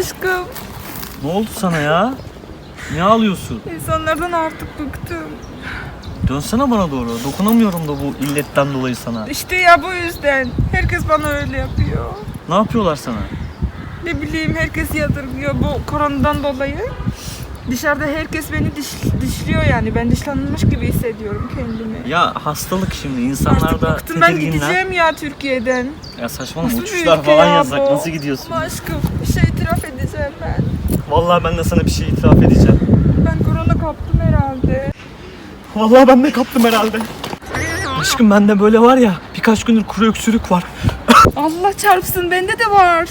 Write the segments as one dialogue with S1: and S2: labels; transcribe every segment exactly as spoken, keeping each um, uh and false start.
S1: aşkım.
S2: Ne oldu sana ya? Niye ağlıyorsun?
S1: İnsanlardan artık bıktım.
S2: Dönsene bana doğru. Dokunamıyorum da bu illetten dolayı sana.
S1: İşte ya bu yüzden. Herkes bana öyle yapıyor.
S2: Ne yapıyorlar sana?
S1: Ne bileyim herkes yadırgıyor bu koronadan dolayı. Dışarıda herkes beni diş, dişliyor yani. Ben dışlanmış gibi hissediyorum kendimi.
S2: Ya hastalık şimdi. İnsanlar
S1: Artık
S2: da
S1: bıktım, ben
S2: tedirginler.
S1: gideceğim ya Türkiye'den.
S2: Ya saçmalama,
S1: Nasıl bir
S2: uçuşlar
S1: ülke
S2: falan
S1: ya
S2: yasak.
S1: bu?
S2: Nasıl gidiyorsun?
S1: Ama aşkım bir şey itiraf edeceğim ben.
S2: Vallahi ben de sana bir şey itiraf edeceğim.
S1: Ben korona kaptım herhalde.
S2: Vallahi ben de kaptım herhalde. Aşkım bende böyle var ya, birkaç gündür kuru öksürük var.
S1: Allah çarpsın, bende de var.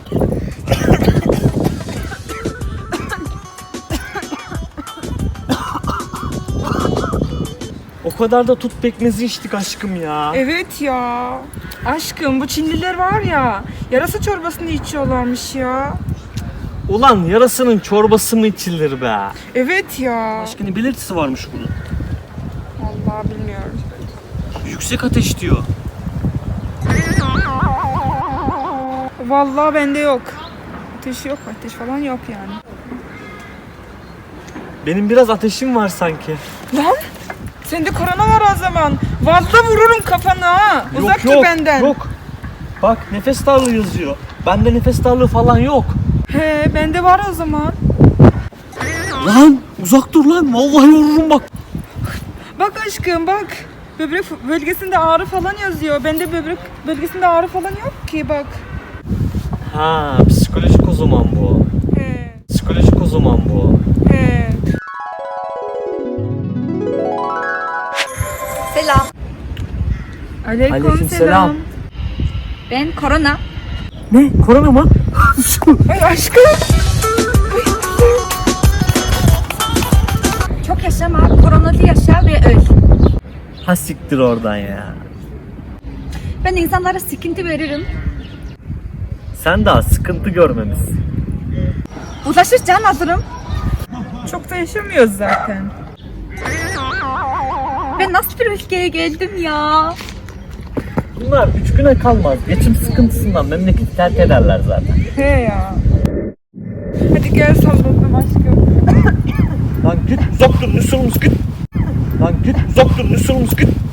S2: O kadar da tut pekmezi içtik aşkım ya.
S1: Evet ya. Aşkım bu Çinliler var ya, yarasa çorbasını içiyorlarmış ya.
S2: Ulan yarasının çorbası mı içilir be?
S1: Evet ya.
S2: Başka ne belirtisi varmış bunun?
S1: Vallahi bilmiyorum.
S2: Yüksek ateş diyor.
S1: Vallahi bende yok. Ateş yok, ateş falan yok yani.
S2: Benim biraz ateşim var sanki.
S1: Lan sende korona var o zaman. Vallahi vururum kafana ha. Uzak dur benden.
S2: Yok. Bak nefes darlığı yazıyor. Bende nefes darlığı falan yok.
S1: He, bende var o zaman.
S2: Lan uzak dur lan. Vallahi vururum bak.
S1: Bak aşkım bak. Böbrek bölgesinde ağrı falan yazıyor. Bende böbrek bölgesinde ağrı falan yok ki bak.
S2: Ha, psikolojik o zaman bu.
S1: He.
S2: Psikolojik o zaman bu.
S1: He.
S3: Selam.
S1: Aleyküm,
S2: Aleykümselam.
S1: selam.
S3: Ben Korona.
S2: Ne? Korona mı?
S1: Ay aşkım.
S3: Çok yaşama, koronalı yaşa ve öl.
S2: Ha siktir oradan ya.
S3: Ben insanlara sıkıntı veririm.
S2: Sen daha sıkıntı görmemişsin.
S3: Uzlaşır can alırım.
S1: Çok da yaşamıyoruz zaten.
S3: Ben nasıl bir ülkeye geldim ya?
S2: Bunlar üç güne kalmaz. Geçim sıkıntısından memleketi terk ederler zaten.
S1: He ya. Hadi gel sallanalım aşkım.
S2: Lan git uzak dur Nüsurumuz git. Lan git uzak dur Nüsurumuz git.